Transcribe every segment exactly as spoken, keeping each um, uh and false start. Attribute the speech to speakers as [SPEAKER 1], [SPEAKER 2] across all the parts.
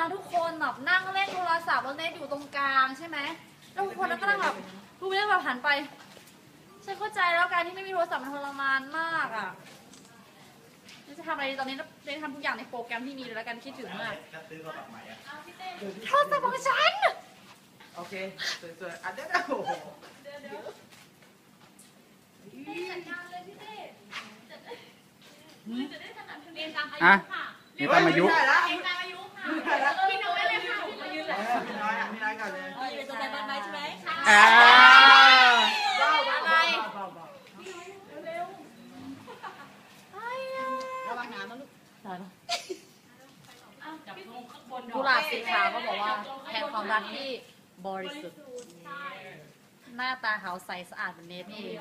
[SPEAKER 1] นะทุกคนแบบนั่งเล่นโทรศัพท์แล้วเน็ตอยู่ตรงกลางใช่ไหมแล้วทุกคนก็นั่งแบบทุกคนแบบหันไปฉันเข้าใจแล้วการที่ไม่มีโทรศัพท์มันทรมานมากอ่ะจะทำอะไรตอนนี้ได้ทำทุกอย่างในโปรแกรมที่มีเลยแล้วกันคิดถึงมากโทรศัพท์ของฉัน
[SPEAKER 2] โอเคสวยๆอ่ะเดี๋ยวนะโอ้โห
[SPEAKER 3] อ่ะนี่ตามอายุ
[SPEAKER 1] พี่น้อยเลยค่ะ
[SPEAKER 2] พี่น้อยอ่ะพี่น้อยก่อนเลย
[SPEAKER 1] อยู่ตรงไหนบ้านไหมใช่ไหม
[SPEAKER 3] อ่า
[SPEAKER 1] อะไรระวังน้ำนะลูกได้ปะกุหลาบสีขาวก็บอกว่าแทนความรักที่บริสุทธิ์หน้าตาขาวใสสะอาดเป็นเนตนี่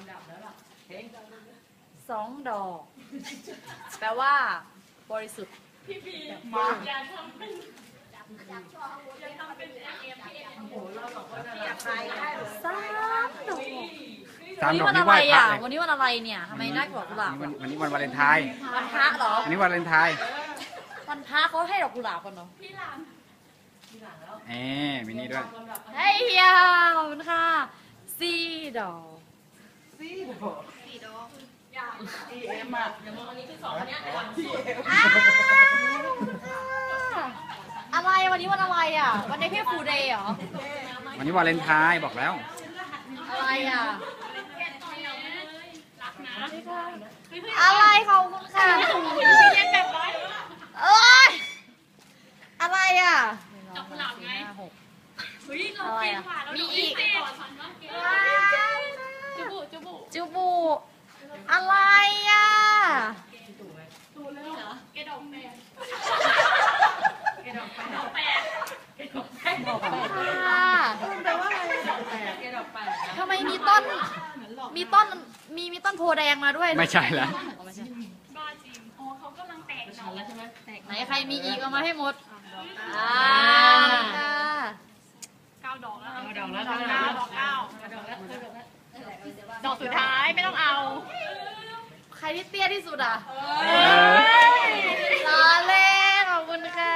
[SPEAKER 1] สองดอกแปลว่าบริสุทธิ์พี่พีมาอย่าทำเป็นอย่าทำเป็นเอ็มเอ็มโอ้โหเราบอกว่าจะใครได้สามดอก
[SPEAKER 3] สามดอก
[SPEAKER 1] วัน
[SPEAKER 3] นี่
[SPEAKER 1] อะ
[SPEAKER 3] ไห
[SPEAKER 1] ไร
[SPEAKER 3] ว้พระ
[SPEAKER 1] อ่ะ
[SPEAKER 3] เลย
[SPEAKER 1] วันนี้วันอะไรเนี่ยทำไมน่ากว่ากุหลาบ
[SPEAKER 3] วันนี้วันวาเลนไทน์
[SPEAKER 1] วันพระเหรอ
[SPEAKER 3] อันนี้วันวาเลนไทน์
[SPEAKER 1] วันพระเขาให้ดอกกุหลาบกันเหรอพี่หลาน
[SPEAKER 3] เอ๊มินี่ด้วย
[SPEAKER 1] เฮ้ยยาขอบคุณค่ะสี่ดอก
[SPEAKER 2] สี่ดอกสี่ดอกอีเอ็มอ่ะอย่างวันนี้คือสองอันเนี้ย
[SPEAKER 1] อะไรวันนี้วันอะไรอ่ะวันนี้พี่ฟูเดย์เหรอ
[SPEAKER 3] วันนี้วาเลนไทน์บอกแล้ว
[SPEAKER 1] อะไรอ่ะอะไรของคุณค่ะเอ้ยอะไรอ่ะจับหลับไงอะไรอ่ะมีอีกจูบูจูบูจูบูอะไรอ่ะดูเลยเหรอแกดอกแปดแกดอกแปดดอกแปดแกดอกแปดดอกแปดค่ะแปลว่าอะไรดอกแปดแกดอกแปดทำไมมีต้นมีต้นมีมีต้นโพแดงมาด้วย
[SPEAKER 3] ไม่ใช่แล้ว
[SPEAKER 1] บ้าจริงอ๋อเขากำลังแตกหน่อแล้วใช่ไหมแตกไหนใครมีอีกเอามาให้หมดอ่าเก้าดอกแล้วดอกแล้วดอกเก้าดอกเก้าดอกแล้วดอกสุดท้ายไม่ต้องเอาใครที่เตี้ยที่สุดอ่ะล้อเล่นขอบคุณค่ะ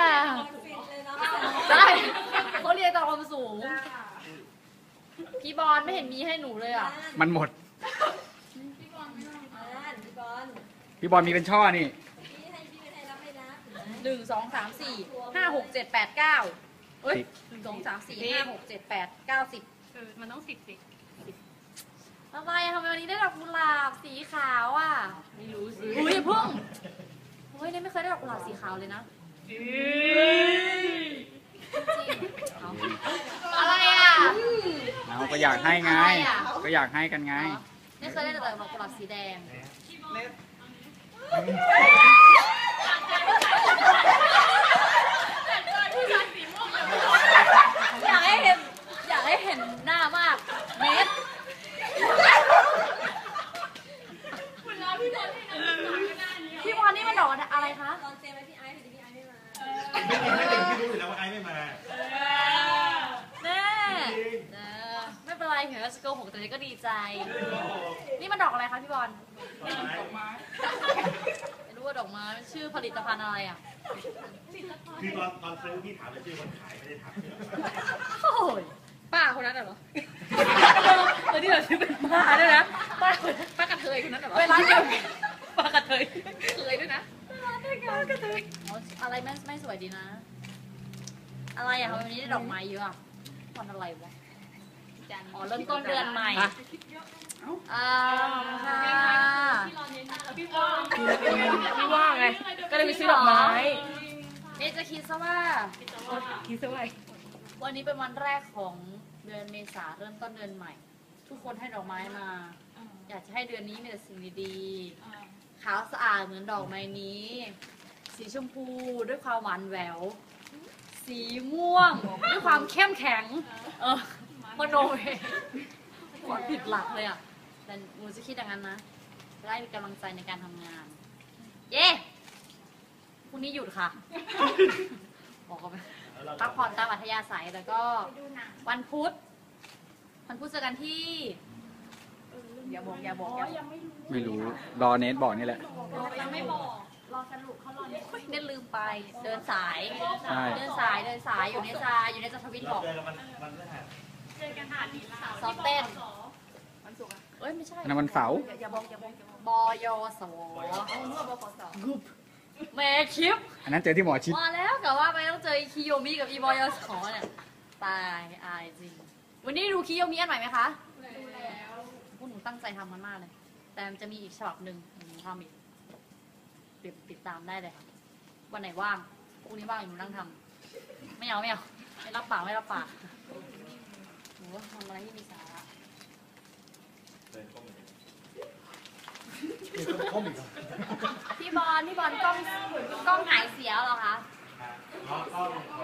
[SPEAKER 1] ได้เขาเรียนต่อความสูงพี่บอลไม่เห็นมีให้หนูเลยอ่ะ
[SPEAKER 3] มันหมดพี่บอลมีเป็นช่อนี่
[SPEAKER 1] หนึ่งสองสามสี่ห้าหกเจ็ดแปดเก้าเอ้ยหนึ่งสองสามสี่ห้าหกเจ็ดแปดเก้าสิบเออมันต้องสิบสิทำไมทำไมวันนี้ได้ดอกกุหลาบสีขาวอ่ะไม่รู้สิอุ้ยเพิ่งเฮ้ยเนี่ยไม่เคยได้ดอกกุหลาบสีขาวเลยนะจริงอะไรอ่ะ
[SPEAKER 3] เราก็อยากให้ไงก็อยากให้กันไง
[SPEAKER 1] ไม่เคยได้แต่ดอกกุหลาบสีแดงอยากให้เห็นอยากให้เห็นหน้ามากเมสพี่บอลนี่มันดอกอะไรคะตอนเซฟไว้พี่ไอซ์พี่ไอซ์ไม่มา
[SPEAKER 4] ไม่ถึงพี่รู้อยู่แล้วว่าไอซ์ไม่มา
[SPEAKER 1] แน่ไม่เป็นไรเห็นว่าสโกหกแต่ก็ดีใจนี่มันดอกอะไรคะพี่บอล
[SPEAKER 4] ดอกไม้
[SPEAKER 1] ไม่รู้ว่าดอกไม้ชื่อผลิตภัณฑ์อะไรอ่ะ
[SPEAKER 4] คือตอนตอนซื้อพี่ถามแต่ชื่อคนขายไม่ได้ถามชื่อ
[SPEAKER 1] โอ้ยป้าคนนั้นเหรอตอนที่เราชื่อเป็นป้าด้วยนะป้าป้ากระเทยคนนั้นเหรอเวลาเดียวป้ากระเทยเคยด้วยนะป้ากระเทยอะไรไม่ไม่สวยดีนะอะไรอ่ะวันนี้ได้ดอกไม้เยอะอ่ะวันอะไรวะอ๋อเริ่มต้นเดือนใหม่อ่าค่ะพี่ว่างพี่ว่างไงก็เลยไปซื้อดอกไม้เอ๊ะจะคิดซะว่าคิดซะว่าวันนี้เป็นวันแรกของเดือนเมษาเริ่มต้นเดือนใหม่ทุกคนให้ดอกไม้มาอยากจะให้เดือนนี้มีแต่สิ่งดีๆขาวสะอาดเหมือนดอกไม้นี้สีชมพูด้วยความหวานแหววสีม่วงด้วยความเข้มแข็งเออมโนเองความผิดหลักเลยอ่ะแต่หนูจะคิดอย่างนั้นนะจะได้มีกำลังใจในการทำงานเย้พรุ่งนี้หยุดค่ะบอกเขาไปพักผ่อนตามอัธยาศัยแล้วก็วันพุธวันพุธเจอกันที่อย่าบอกอย่าบอก
[SPEAKER 3] ไม่รู้รอเนทบอกนี่แหละ
[SPEAKER 1] ยังไม่บอก
[SPEAKER 5] รอสรุปเขารอเนี่ย
[SPEAKER 1] เน้นลืมไปเดินสาย
[SPEAKER 3] ใช่
[SPEAKER 1] เดินสายเดินสายอยู่ในซาอยู่ในจทวิต
[SPEAKER 4] เรา
[SPEAKER 1] บอก
[SPEAKER 4] เจอกันมันมันแรก
[SPEAKER 5] เจอกันหาดีลา
[SPEAKER 1] ซ้อมเต้น
[SPEAKER 2] วันศุกร์อะ
[SPEAKER 1] เอ้ยไม่ใช่
[SPEAKER 3] อันนั้นวันเสาร์
[SPEAKER 1] อย่าอย่าบอกอย่าบอกอย่าบอกบอยส
[SPEAKER 2] เอาเมื่อบขส
[SPEAKER 1] แม่คลิป
[SPEAKER 3] อันนั้นเจอที่หมอชิด
[SPEAKER 1] มาแล้วกะว่าไปต้องเจอคิโยมิกับอีบอยสเนี่ยตายอายจริงวันนี้ดูคิโยมิอันใหม่ไหมคะ
[SPEAKER 5] ดูแล้ว
[SPEAKER 1] พวกหนูตั้งใจทำมันมากเลย แต่มันจะมีอีกฉบับหนึ่งหนูทำอีกติดติดตามได้เลยค่ะวันไหนว่างพรุ่งนี้ว่างหนูนั่งทำไม่เอาไม่เอาไม่รับปากไม่รับปากหนูว่าทำอะไรที่มีสาระ
[SPEAKER 4] เดินเข้ามา
[SPEAKER 1] พี่บอลพี่บอลกล้องกล้องหายเสียเหรอคะ
[SPEAKER 4] เนาะต้อง